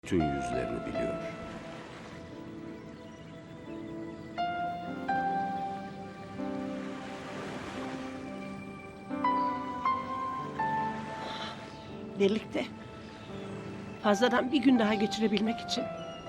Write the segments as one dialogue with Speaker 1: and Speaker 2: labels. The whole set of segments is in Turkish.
Speaker 1: Bütün yüzlerini biliyor.
Speaker 2: Birlikte fazladan bir gün daha geçirebilmek için.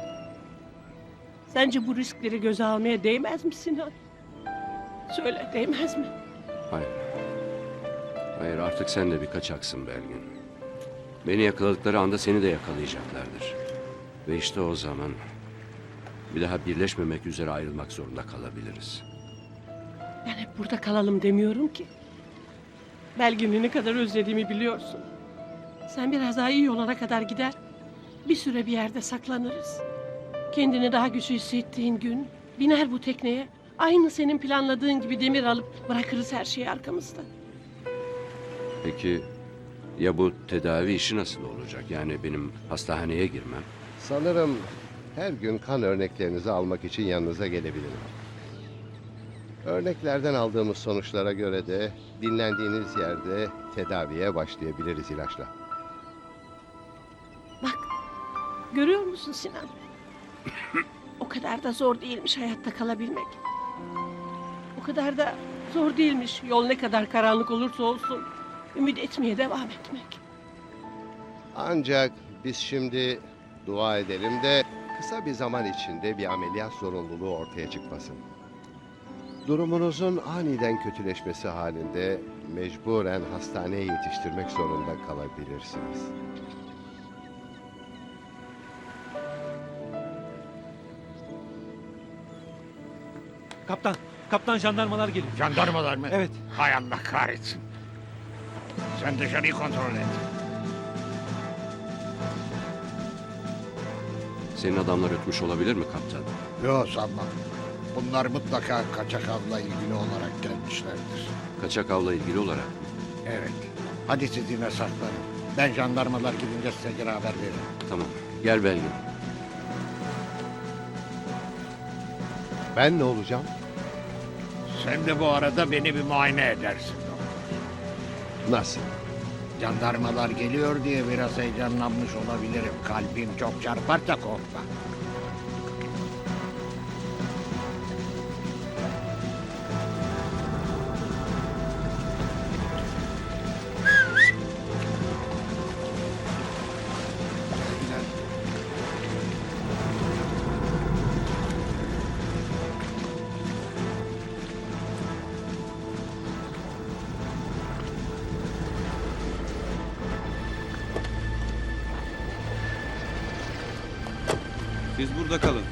Speaker 2: Sence bu riskleri göze almaya değmez mi Sinan? Söyle, değmez mi?
Speaker 1: Hayır. Hayır, artık sen de bir kaçaksın Belgin. Beni yakaladıkları anda seni de yakalayacaklardır. Ve işte o zaman bir daha birleşmemek üzere ayrılmak zorunda kalabiliriz.
Speaker 2: Ben hep burada kalalım demiyorum ki. Belgin'i ne kadar özlediğimi biliyorsun. Sen biraz daha iyi olana kadar gider, bir süre bir yerde saklanırız. Kendini daha güçlü hissettiğin gün biner bu tekneye. Aynı senin planladığın gibi demir alıp bırakırız her şeyi arkamızda.
Speaker 1: Peki ya bu tedavi işi nasıl olacak? Yani benim hastaneye girmem.
Speaker 3: Sanırım her gün kan örneklerinizi almak için yanınıza gelebilirim. Örneklerden aldığımız sonuçlara göre de dinlendiğiniz yerde tedaviye başlayabiliriz ilaçla.
Speaker 2: Bak, görüyor musun Sinan? O kadar da zor değilmiş hayatta kalabilmek. O kadar da zor değilmiş yol ne kadar karanlık olursa olsun ümit etmeye devam etmek.
Speaker 3: Ancak biz şimdi dua edelim de kısa bir zaman içinde bir ameliyat zorunluluğu ortaya çıkmasın. Durumunuzun aniden kötüleşmesi halinde mecburen hastaneye yetiştirmek zorunda kalabilirsiniz.
Speaker 4: Kaptan jandarmalar geliyor.
Speaker 5: Jandarmalar mı?
Speaker 4: Evet.
Speaker 5: Hay Allah kahretsin. Sen dışarıyı kontrol et.
Speaker 1: Senin adamlar ötmüş olabilir mi kaptan?
Speaker 5: Yok sanmam. Bunlar mutlaka kaçak avla ilgili olarak gelmişlerdir.
Speaker 1: Kaçak avla ilgili olarak.
Speaker 5: Evet. Hadi siz yine saklanın. Ben jandarmalar gidince size geri haber veririm.
Speaker 1: Tamam. Gel Belgin.
Speaker 3: Ben ne olacağım?
Speaker 5: Sen de bu arada beni bir muayene edersin.
Speaker 3: Nasıl?
Speaker 5: Jandarmalar geliyor diye biraz heyecanlanmış olabilirim. Kalbim çok çarparsa korkma.
Speaker 6: Siz burada kalın.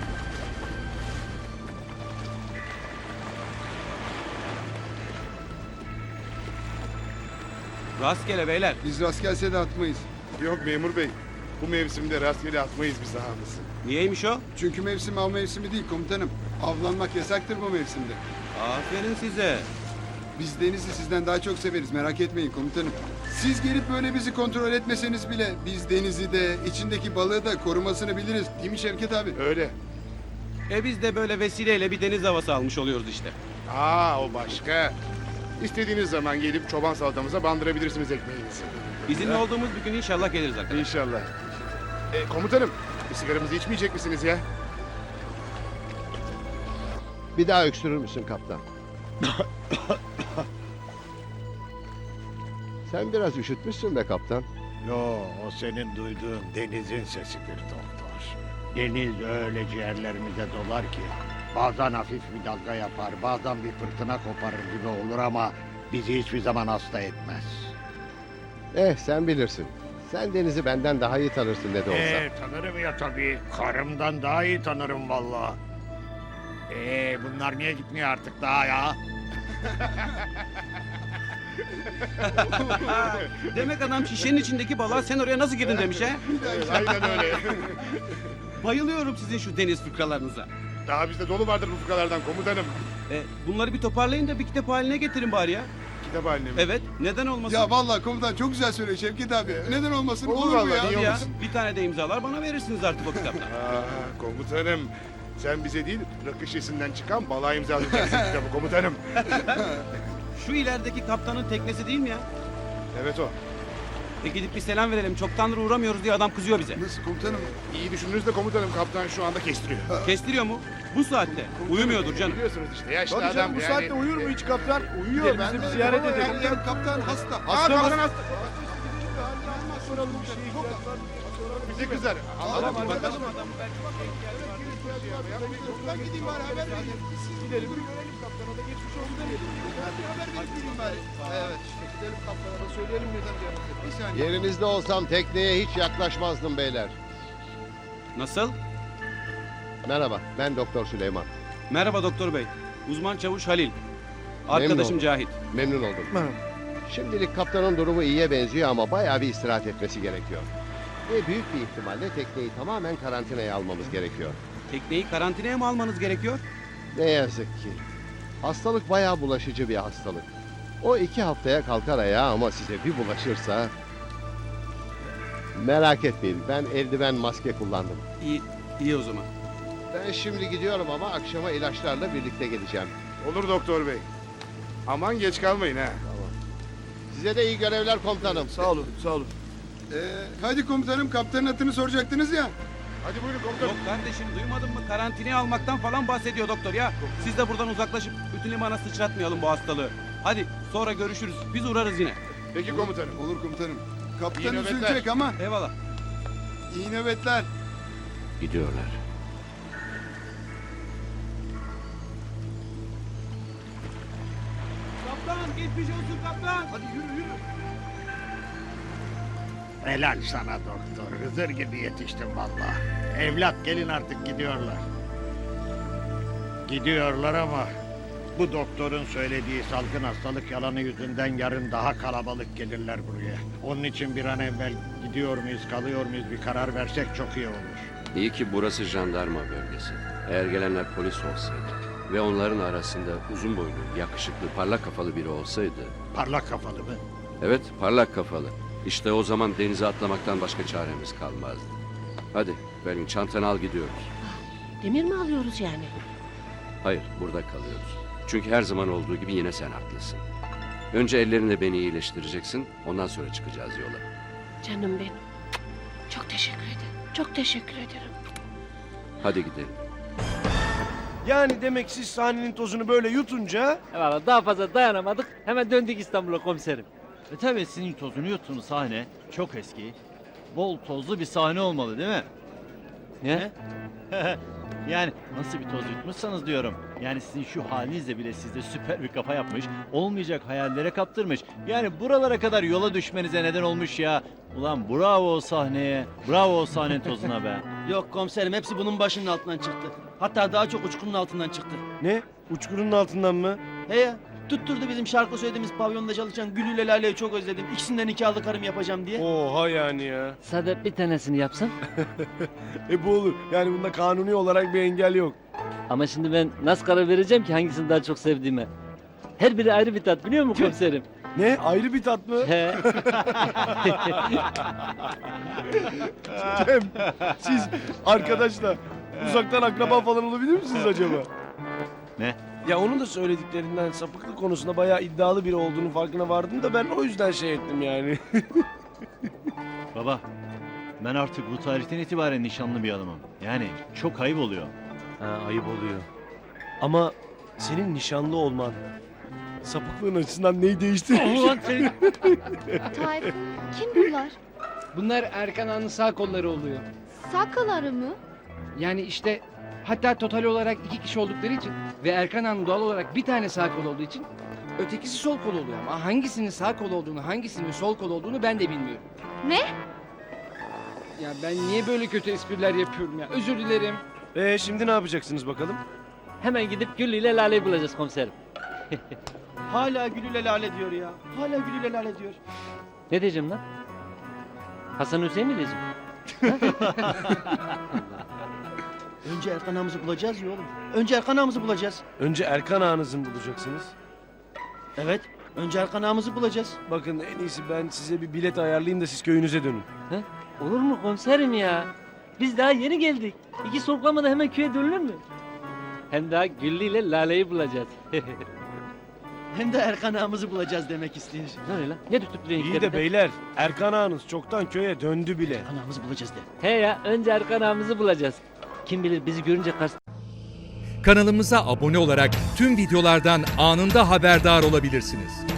Speaker 6: Rastgele beyler.
Speaker 7: Biz rastgelse de atmayız. Yok memur bey. Bu mevsimde rastgele atmayız biz ağımızı.
Speaker 6: Niyeymiş o?
Speaker 7: Çünkü mevsim av mevsimi değil komutanım. Avlanmak yasaktır bu mevsimde.
Speaker 6: Aferin size.
Speaker 7: Biz denizi sizden daha çok severiz merak etmeyin komutanım. Siz gelip böyle bizi kontrol etmeseniz bile biz denizi de içindeki balığı da korumasını biliriz. Değil mi Şevket abi? Öyle.
Speaker 6: Biz de böyle vesileyle bir deniz havası almış oluyoruz işte.
Speaker 8: O başka. İstediğiniz zaman gelip çoban salatamıza bandırabilirsiniz ekmeğinizi.
Speaker 6: İzinli olduğumuz bir gün inşallah geliriz arkadaşlar.
Speaker 8: İnşallah. Komutanım, bir sigaramızı içmeyecek misiniz ya?
Speaker 3: Bir daha öksürür müsün kaptan? Sen biraz üşütmüşsün be kaptan.
Speaker 5: Yo, o senin duyduğun denizin sesidir doktor. Deniz öyle ciğerlerimize dolar ki bazen hafif bir dalga yapar, bazen bir fırtına koparır gibi olur ama bizi hiçbir zaman hasta etmez.
Speaker 3: Sen bilirsin. Sen denizi benden daha iyi tanırsın ne de olsa.
Speaker 5: Tanırım ya tabii. Karımdan daha iyi tanırım vallahi. Bunlar niye gitmiyor artık daha ya?
Speaker 6: Demek adam şişenin içindeki balığa sen oraya nasıl girdin demiş he?
Speaker 8: Aynen öyle.
Speaker 6: Bayılıyorum sizin şu deniz fıkralarınıza.
Speaker 8: Daha bizde dolu vardır bu fıkralardan komutanım.
Speaker 6: Bunları bir toparlayın da bir kitap haline getirin bari ya.
Speaker 8: Kitap haline mi?
Speaker 6: Evet, neden olmasın?
Speaker 7: Ya vallahi komutan çok güzel söylüyor Şevket abi. Neden olmasın?
Speaker 8: Olur
Speaker 7: Olur mu
Speaker 8: vallahi,
Speaker 7: ya?
Speaker 8: niye
Speaker 6: Hadi ya,
Speaker 8: olmasın?
Speaker 6: bir tane de imzalar bana verirsiniz artık o kitaptan.
Speaker 8: Komutanım. Sen bize değil, rakı şişesinden çıkan balığa imzalayacaksın kitabı komutanım.
Speaker 6: Şu ilerideki kaptanın teknesi değil mi ya?
Speaker 8: Evet o.
Speaker 6: Gidip bir selam verelim. Çoktandır uğramıyoruz diye adam kızıyor bize.
Speaker 7: Nasıl komutanım?
Speaker 8: İyi düşündünüz de komutanım, kaptan şu anda kestiriyor.
Speaker 6: Kestiriyor mu? Bu saatte. Uyumuyordur canım.
Speaker 8: Biliyorsunuz işte yaşlı
Speaker 7: Tabii
Speaker 8: adam
Speaker 7: canım bu
Speaker 8: yani.
Speaker 7: saatte uyur mu hiç kaptan? Uyuyor. Ben de ziyaret edelim. Kaptan hasta.
Speaker 8: Hasta kaptan hasta. Bizi kızar. Anladım. Bakalım.
Speaker 7: Ben gideyim bari haber vereyim. Gidelim. Görelim kaptana da geçmiş olsun demeyelim. Haber vereyim bari. Evet işte gidelim kaptana da söyleyelim neden gelmedi. Bir saniye.
Speaker 3: Yerinizde olsam tekneye hiç yaklaşmazdım beyler.
Speaker 6: Nasıl?
Speaker 3: Merhaba, ben Doktor Süleyman.
Speaker 6: Merhaba doktor bey. Uzman çavuş Halil. Arkadaşım
Speaker 3: oldum.
Speaker 6: Cahit.
Speaker 3: Memnun oldum. Şimdilik kaptanın durumu iyiye benziyor ama bayağı bir istirahat etmesi gerekiyor. Ve büyük bir ihtimalle tekneyi tamamen karantinaya almamız gerekiyor.
Speaker 6: Tekneyi karantinaya mı almanız gerekiyor?
Speaker 3: Ne yazık ki. Hastalık bayağı bulaşıcı bir hastalık. O 2 haftaya kalkar ayağa ama size bir bulaşırsa... Merak etmeyin, ben eldiven maske kullandım.
Speaker 6: İyi, iyi o zaman.
Speaker 3: Ben şimdi gidiyorum ama akşama ilaçlarla birlikte geleceğim.
Speaker 8: Olur doktor bey. Aman geç kalmayın ha.
Speaker 3: Size de iyi görevler komutanım.
Speaker 7: Sağ olun, sağ olun. Hadi komutanım, kaptanın adını soracaktınız ya.
Speaker 8: Hadi buyurun komutanım.
Speaker 6: Yok kardeşim duymadın mı? Karantinaya almaktan falan bahsediyor doktor ya. Siz de buradan uzaklaşıp bütün limana sıçratmayalım bu hastalığı. Hadi sonra görüşürüz. Biz uğrarız yine.
Speaker 8: Peki komutanım.
Speaker 7: Olur komutanım.
Speaker 8: İyi
Speaker 7: Kaptan
Speaker 8: nöbetler.
Speaker 7: üzülecek ama
Speaker 6: Eyvallah.
Speaker 7: iyi nöbetler.
Speaker 1: Gidiyorlar.
Speaker 6: Kaptan geçmiş olsun kaptan.
Speaker 7: Hadi yürü yürü.
Speaker 5: Helal sana doktor. Hızır gibi yetiştin vallahi. Evlat gelin artık gidiyorlar. Gidiyorlar ama bu doktorun söylediği salgın hastalık yalanı yüzünden yarın daha kalabalık gelirler buraya. Onun için bir an evvel gidiyor muyuz kalıyor muyuz bir karar versek çok iyi olur.
Speaker 1: İyi ki burası jandarma bölgesi. Eğer gelenler polis olsaydı ve onların arasında uzun boylu, yakışıklı, parlak kafalı biri olsaydı...
Speaker 5: Parlak kafalı mı?
Speaker 1: Evet, parlak kafalı. İşte o zaman denize atlamaktan başka çaremiz kalmazdı. Hadi, Belgin çantanı al gidiyoruz.
Speaker 2: Demir mi alıyoruz yani?
Speaker 1: Hayır, burada kalıyoruz. Çünkü her zaman olduğu gibi yine sen haklısın. Önce ellerinle beni iyileştireceksin, ondan sonra çıkacağız yola.
Speaker 2: Canım benim. Çok teşekkür ederim. Çok teşekkür ederim.
Speaker 1: Hadi gidelim.
Speaker 4: Yani demek siz sahnenin tozunu böyle yutunca...
Speaker 9: Valla daha fazla dayanamadık. Hemen döndük İstanbul'a komiserim.
Speaker 10: Tabii sizin tozunu yuttuğunuz sahne çok eski. Bol tozlu bir sahne olmalı değil mi?
Speaker 9: Ne?
Speaker 10: Yani nasıl bir toz yutmuşsanız diyorum. Yani sizin şu halinizle bile sizde süper bir kafa yapmış. Olmayacak hayallere kaptırmış. Yani buralara kadar yola düşmenize neden olmuş ya. Ulan bravo o sahneye. Bravo o sahnenin tozuna be.
Speaker 11: Yok komiserim hepsi bunun başının altından çıktı. Hatta daha çok uçkurun altından çıktı.
Speaker 4: Ne? Uçkurunun altından mı?
Speaker 11: He ya tutturdu bizim şarkı söylediğimiz pavyonda çalışan Gül ile Lale'yi çok özledim. İkisinden nikahlı karım yapacağım diye.
Speaker 4: Oha yani ya.
Speaker 9: Sade bir tanesini yapsın.
Speaker 4: Bu olur. Yani bunda kanuni olarak bir engel yok.
Speaker 9: Ama şimdi ben nasıl karar vereceğim ki hangisini daha çok sevdiğime? Her biri ayrı bir tat biliyor musun komiserim?
Speaker 4: Ne? Ayrı bir tat mı?
Speaker 9: He.
Speaker 4: Cem, siz arkadaşla uzaktan akraba falan olabilir misiniz acaba?
Speaker 10: Ne?
Speaker 4: Ya onun da söylediklerinden sapıklık konusunda bayağı iddialı biri olduğunu farkına vardım da ben o yüzden şey ettim yani.
Speaker 10: Baba ben artık bu tarihten itibaren nişanlı bir adamım. Yani çok ayıp oluyor.
Speaker 4: Ha, ayıp oluyor. Ama senin nişanlı olman sapıklığın açısından neyi değiştirir?
Speaker 9: Ulan senin...
Speaker 12: Tayfun, kim bunlar?
Speaker 11: Bunlar Erkan Ağa'nın sağ kolları oluyor.
Speaker 12: Sakaları mı?
Speaker 11: Yani işte hatta total olarak 2 kişi oldukları için ve Erkan Ağa'nın doğal olarak bir tane sağ kol olduğu için ötekisi sol kol oluyor. Ama hangisinin sağ kol olduğunu, hangisinin sol kol olduğunu ben de bilmiyorum.
Speaker 12: Ne?
Speaker 11: Ya ben niye böyle kötü espriler yapıyorum ya? Özür dilerim.
Speaker 4: Şimdi ne yapacaksınız bakalım?
Speaker 9: Hemen gidip Güllü ile Lale'yi bulacağız komiserim.
Speaker 11: Hala Gül ile Lale diyor ya. Hala Gül ile Lale diyor.
Speaker 9: Ne diyeceğim lan? Hasan Hüseyin mi diyeceğim?
Speaker 11: Önce Erkan Ağa'mızı bulacağız ya oğlum. Önce Erkan Ağa'mızı bulacağız.
Speaker 4: Önce Erkan ağanızı mı bulacaksınız?
Speaker 11: Evet. Önce Erkan Ağa'mızı bulacağız.
Speaker 4: Bakın en iyisi ben size bir bilet ayarlayayım da siz köyünüze dönün.
Speaker 9: Olur mu komiserim ya? Biz daha yeni geldik. 2 soluklamada hemen köye dönülür mü? Hem daha Güllü ile Lale'yi bulacağız.
Speaker 10: hem de Erkan ağamızı bulacağız demek istiyor.
Speaker 9: Ne öyle lan? Ne tutup duruyorsun
Speaker 4: İyi de beyler, Erkan ağanız çoktan köye döndü bile.
Speaker 10: Erkan ağamızı bulacağız de.
Speaker 9: He ya, önce Erkan ağamızı bulacağız. Kim bilir bizi görünce karşı...
Speaker 13: Kanalımıza abone olarak tüm videolardan anında haberdar olabilirsiniz.